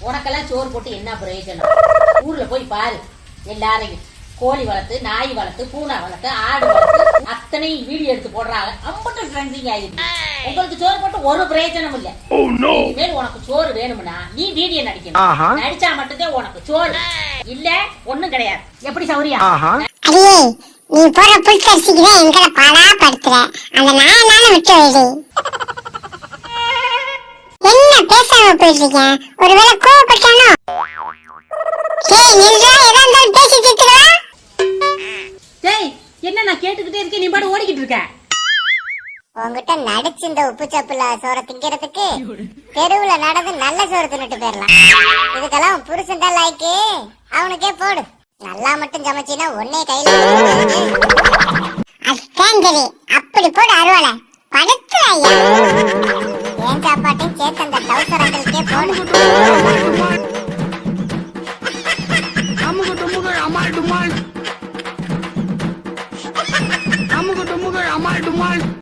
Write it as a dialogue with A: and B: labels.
A: உனக்கெல்லாம் சோறு போட்டு என்ன பிரயோஜனம்? ஊர்ல போய் பாரு, எல்லாரையும் கோழி வளர்த்து, நாய் வளர்த்து, பூனை வளர்த்து, ஆடு வளர்த்து அத்தனை வீடியோ எடுத்து போடுறாங்க. அம்பட்டு ட்ரெண்டிங் ஆயிருக்கு. உங்களுக்கு சோறு போட்டு ஒரு பிரயோஜனம் இல்ல. இனிமேல் உனக்கு சோறு வேணும்னா நீ வீடியோ நடிக்கணும். நடிச்சா மட்டும்தான் உனக்கு சோறு, இல்ல ஒண்ணும் கிடையாது. எப்படி சௌரியா?
B: அடியே, நீ போற புல்கரிசிக்கு தான் எங்களை பாடா படுத்துற. அந்த நாயனால விட்டு வைடி. என்ன பேசாம போயிட்டு ஒருவேளை கோவப்பட்டானோ? டேய் நில்றா, ஏதா இருந்தாலும் பேசி தீர்த்துக்கா.
A: டேய், என்ன நான் கேட்டுக்கிட்டே இருக்கேன், நீ பாட்டு ஓடிக்கிட்டு இருக்க.
B: உங்ககிட்ட நடிச்சு இந்த உப்பு சப்புல சோற திங்கிறதுக்கு தெருவுல நடந்து நல்ல சோறு தின்னுட்டு போயிடலாம். இதுக்கெல்லாம் புருஷன் தான் லாய்க்கு, அவனுக்கே போடு. நல்லா மட்டும் சமைச்சினா உன்னே கையில அதான் சரி. அப்படி போடு அருவாளை படுத்து ஐயா. ஏன் சாப்பாட்டையும் சேர்த்து அந்த டவுசர் அங்கிளுக்கே போடு.
C: அம்முக டுமுகள் அமால் டுமால்